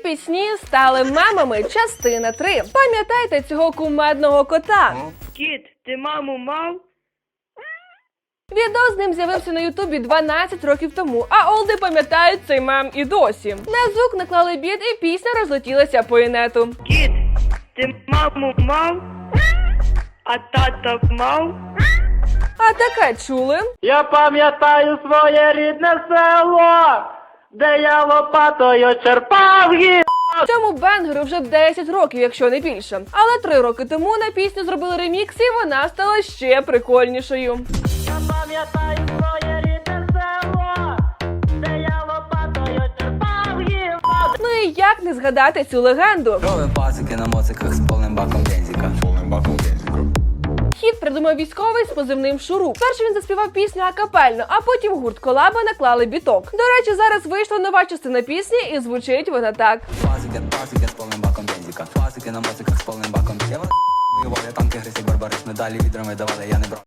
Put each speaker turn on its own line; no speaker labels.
пісні стали мемами. Частина 3. Пам'ятаєте цього кумедного кота?
Кіт, ти маму мав?
Відео з ним з'явився на Ютубі 12 років тому, а олди пам'ятають цей мем і досі. На звук наклали біт і пісня розлетілася по інету.
Кіт, ти маму мав? А тата мав?
А таке чули?
Я пам'ятаю своє рідне село, де я лопатою черпав гі.
Цьому бенгеру вже 10 років, якщо не більше. Але 3 роки тому на пісню зробили ремікс, і вона стала ще прикольнішою.
Я пам'ятаю своє рідне село, де я лопатою черпав гі.
Ну і як не згадати цю легенду?
Ровим пасики на моциках з повним баком бензика.
Хіт придумав військовий з позивним Шуруп. Перше він заспівав пісню акапельно, а потім гурт Колаба наклали біток. До речі, зараз вийшла нова частина пісні, і звучить вона так.
Пасики з повним баком бензика. Пасики на моциках з повним баком. Я танки, грисик, барбарис, медалі відрами давали, я не брав.